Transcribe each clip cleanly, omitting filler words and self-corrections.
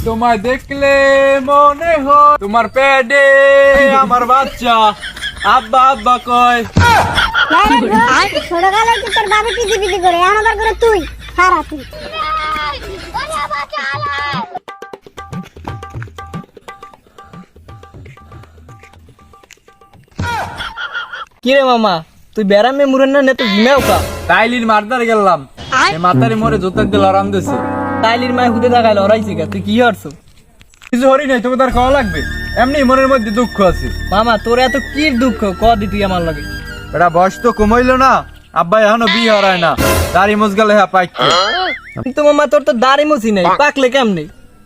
তোমায় দেখলে মনে হয় তোমার পেটে আমার বাচ্চা আব্বা আব্বা কয়। ছোটকালে কি তোর বাবা পিজি পিজি করে এখন আবার করে তুই সারা তুই কিরে মামা তুই বেড়ামে মুরেন না তো ঘুমেও কা তাইলির মারদার গেলাম মাতারি মরে জোতাক দিল আরাম দিছে। তাইলির মায় হুদে দেখাইল ওরাইছে গা তুই কি হরছো? কিছু হরি নাই, তোকে তার খাওয়া লাগবে, এমনি মনের মধ্যে দুঃখ আছে। মামা তোর এত কি দুঃখ ক দি তুই আমার লাগে। এটা বয়স তো কমাইলো না, আব্বা এখনো বিয়ে হরায় না, দাড়ি মুজগালে হ্যাঁ পাইছে। কিন্তু মামা তোর তো দাড়ি মুছি নাই, পাকলে কেমনে?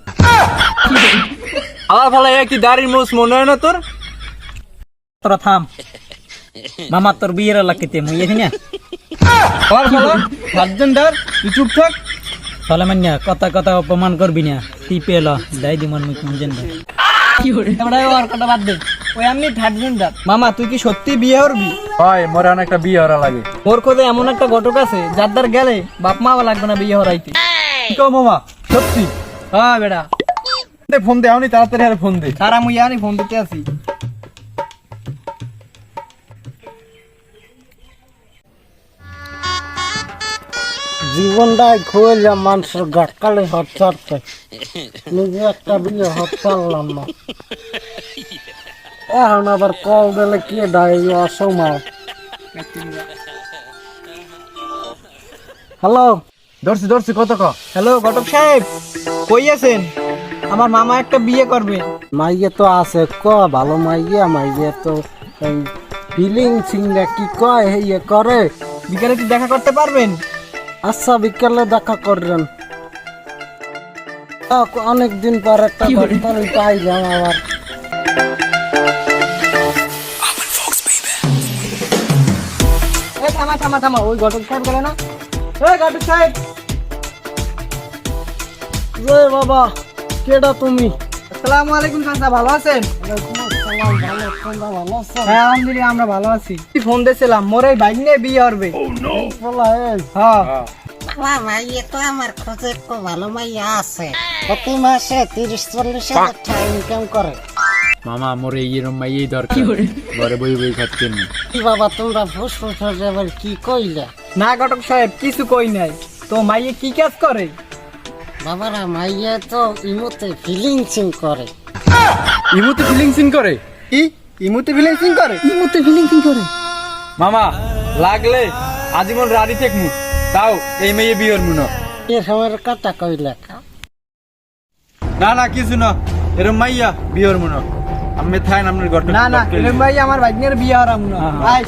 আবার ফালা কি দাড়ির মুছ মনে হয় না তোর? তোরা থাম মামা, তোর বিয়ের লাগতে মুই এখানে না আবার ফালা ভার্জেন্ডার, তুই চুপ থাক। ফলে মান্যা কথা কথা অপমান করবি না, তুই পেল দাই দি মন মুখ মঞ্জেন কি করে তোমরা আর কথা বাদ দে। ওই আমি থার্ড জেন্ডার। মামা তুই কি সত্যি বিয়ে করবি? হয় মোর এখন একটা বিয়ে হরা লাগে। মোর কোদে এমন একটা ঘটক আছে যার দ্বার গেলে বাপ মা লাগবে না বিয়ে হরাইতে। কি কও মামা, সত্যি? হ্যাঁ বেড়া ফোন দে, এখনই তাড়াতাড়ি আর ফোন দে। সারা মুই আনি ফোন দিতে আছি। জীবনটাই খুঁজলাম মানুষের গাটকালে হট ছাড়তে, নিজে একটা বিয়ে হট পারলাম না। এখন আবার কল দিলে কি ডাই অসময়। হ্যালো, ধরছি ধরছি, কত ক? হ্যালো ঘটক সাহেব, কই আছেন? আমার মামা একটা বিয়ে করবে। মাইয়ে তো আছে ক ভালো মাইয়া, মাইয়ে তো এই ফিলিং সিংটা কি কয় ইয়ে করে। বিকালে কি দেখা করতে পারবেন? আচ্ছা বিকেলে দেখা করবেন। অনেকদিন পর একটা দরকারি পাইলাম আবার। থামা থামা থামা, ওই ঘটক সাহেব গেলে না। ওই ঘটক সাহেব। জয় বাবা, কেডা তুমি? আসসালামু আলাইকুম চাচা, ভালো আছেন? ভালো আছো? হ্যাঁ আলহামদুলিল্লাহ, আমরা ভালো আছি। ফোন দিয়েছিলাম, মোর এই বাইক নিয়ে বিয়ে হবে। হ্যাঁ মাইয়ে তো আমার খোঁজে তো ভালো মাইয়া আছে, প্রতি মাসে 30-40 হাজার টাকা ইনকাম করে। মামা মোর এইরকম মাইয়েই দরকার, ঘরে বই বই খাচ্ছেন না। কি বাবা তোমরা ফুস এবার কি কইলা? না ঘটক সাহেব কিছু কই নাই। তো মাইয়ে কি কাজ করে? বাবারা মাইয়া তো ইমোতে ফিলিংসিং করে। ইমুতে ফিলিংসিং করে? ইমুতে ফিলিংসিং করে? ইমুতে ফিলিংসিং করে মামা লাগলে আজীবন রাড়ি থেকমু, তাও এই মেয়ে বিয়ের মুনো। এ সময়ের কথা কইলা? না না কিছু না, এরম মাইয়া বিয়ের মুনো। আমি থাইন আপনার ঘটনা। না না এরকম ভাই আমার বাইক নিয়ে বিয়ে হরাম না। ভাই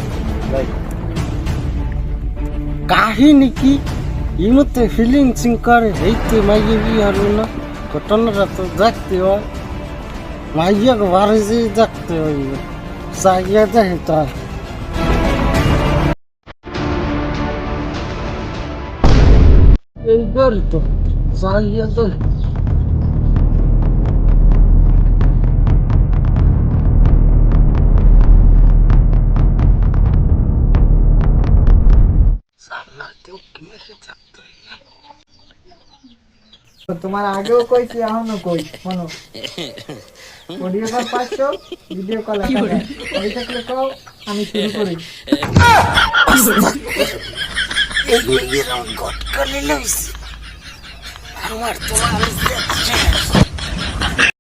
কাহিনী কি? ইমোতে ফিলিংসিং করে এইতে মাইয়া বিয়ে হলো না? ঘটনাটা তো দেখতে হয়, মাইয়া বাড়ি যেয়ে দেখতে হইবে, চাইয়া দেখে তার। এইবার তো চাইয়া দেখে। তোমার আগেও কইছি এখনো কই শোনো, অডিও কল 500, ভিডিও কল 1000। ওই থাকলে কও, আমি শুরু করি। আমার তো